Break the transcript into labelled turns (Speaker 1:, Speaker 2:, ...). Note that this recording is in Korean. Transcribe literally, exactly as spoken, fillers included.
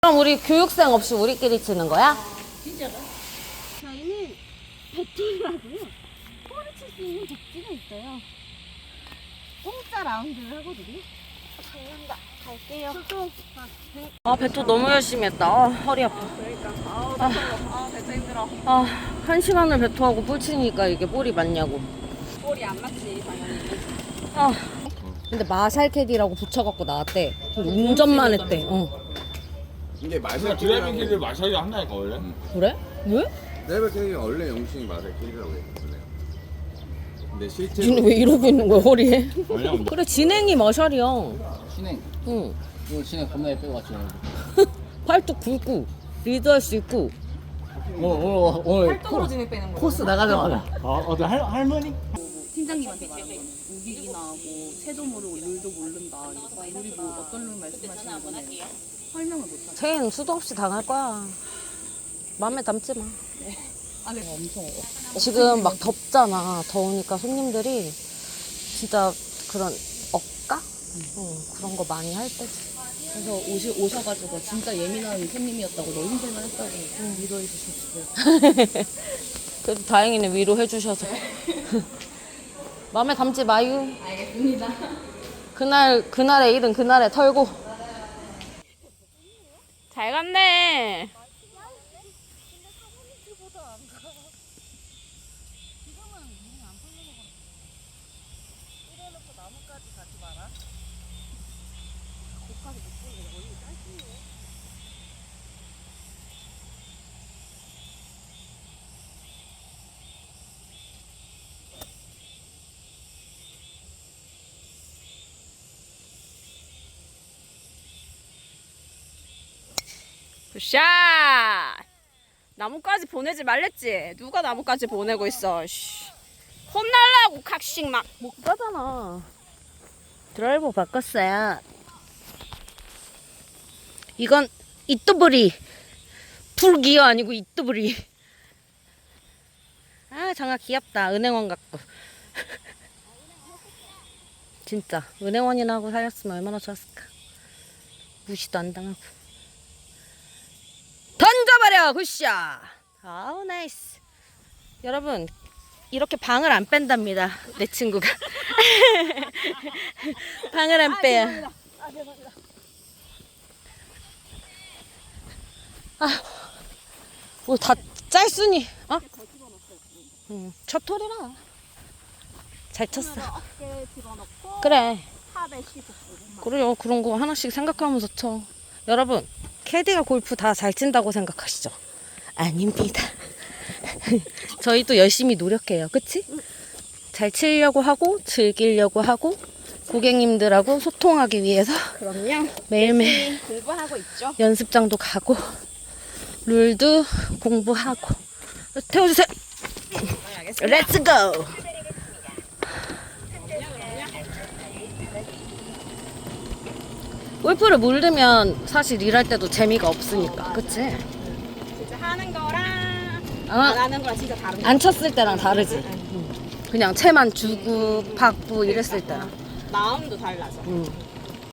Speaker 1: 그럼 우리 교육생 없이 우리끼리 치는 거야?
Speaker 2: 진짜로? 저희는 배팅이라고요. 볼을 칠 수 있는 복지가 있어요. 공짜 라운드를 하거든요. 감사합니다. 갈게요.
Speaker 1: 아, 배토 너무 열심히 했다. 아, 허리 아파.
Speaker 2: 그러니까. 아우, 아, 아, 배트 힘들어.
Speaker 1: 아, 한 시간을 배토하고 볼 치니까 이게 볼이 맞냐고.
Speaker 2: 볼이 안 맞지, 당연히.
Speaker 1: 아, 근데 마샬캐디라고 붙여갖고 나왔대. 근데 운전만 했대. 어.
Speaker 3: 이게
Speaker 4: 그러니까
Speaker 3: 마샬
Speaker 4: 드라이빙 캐리를 마샬이 한다니까 원래.
Speaker 1: 그래? 왜?
Speaker 3: 드라이빙 캐리가 원래 영칭이 마샬 캐리라고 해요. 근데 실제로
Speaker 1: 지는 왜 이러고 있는 거야, 허리에?
Speaker 4: 왜냐면
Speaker 1: 그래, 진행이 마샬이야.
Speaker 5: 진행.
Speaker 1: 응.
Speaker 5: 오늘 진행 겁나 예쁘게 왔지.
Speaker 1: 팔뚝 굵고, 리드할 수 있고.
Speaker 5: 오늘 오늘 오늘
Speaker 2: 팔뚝으로 진행 빼는 거.
Speaker 5: 코스 나가자마자. 어 어떤 할 할머니?
Speaker 2: 팀장님한테 말하는 거는 우기기나 뭐 새도 모르고 룰도 모른다. 룰이 뭐 어떤 룰 말씀하시는 거는 설명을 못하죠.
Speaker 1: 쟤는 수도 없이 당할 거야. 마음에 담지 마.
Speaker 2: 아, 네. 엄청
Speaker 1: 지금 막 덥잖아. 더우니까 손님들이 진짜 그런 억까? 응, 그런 거 많이 할 때지.
Speaker 2: 그래서 오시, 오셔가지고 진짜 예민한 손님이었다고 너무 힘들만 했다고 위로해 주셨어요.
Speaker 1: 그래도 다행이네, 위로해 주셔서. 마음에 담지 마유.
Speaker 2: 알겠습니다.
Speaker 1: 그날, 그날의 일은 그날에 털고. 잘 갔네. 굿샷! 나무까지 보내지 말랬지? 누가 나무까지 보내고 있어? 씨. 혼날라고 각식 막 못 가잖아. 드라이버 바꿨어요. 이건 이뚜브리 풀기어 아니고 이뚜브리. 아, 장아 귀엽다. 은행원 같고. 진짜 은행원이나 하고 살았으면 얼마나 좋았을까. 무시도 안 당하고. 던져버려! 굿샷! 아우 나이스. 여러분, 이렇게 방을 안 뺀답니다, 내 친구가. 방을 안 빼요. 아, 뭐 다 짤순이. 어? 응, 첫 톨이라. 잘 쳤어.
Speaker 2: 어깨 집어넣고
Speaker 1: 그래.
Speaker 2: 탑에 십오 분.
Speaker 1: 그래요. 그런 거 하나씩 생각하면서 쳐. 여러분, 캐디가 골프 다 잘 친다고 생각하시죠? 아닙니다. 저희도 열심히 노력해요. 그치? 잘 치려고 하고, 즐기려고 하고, 고객님들하고 소통하기 위해서
Speaker 2: 그럼요.
Speaker 1: 매일매일
Speaker 2: 공부하고 있죠.
Speaker 1: 연습장도 가고, 룰도 공부하고. 태워주세요. 렛츠 고! 골프를 모르면 사실 일할 때도 재미가 없으니까, 그치?
Speaker 2: 진짜 하는 거랑 안
Speaker 1: 아,
Speaker 2: 하는 거랑 진짜 다른 거.
Speaker 1: 안 쳤을 때랑 다르지. 응. 그냥 채만 주고 받고 이랬을 때랑.
Speaker 2: 마음도 달라져.
Speaker 1: 응.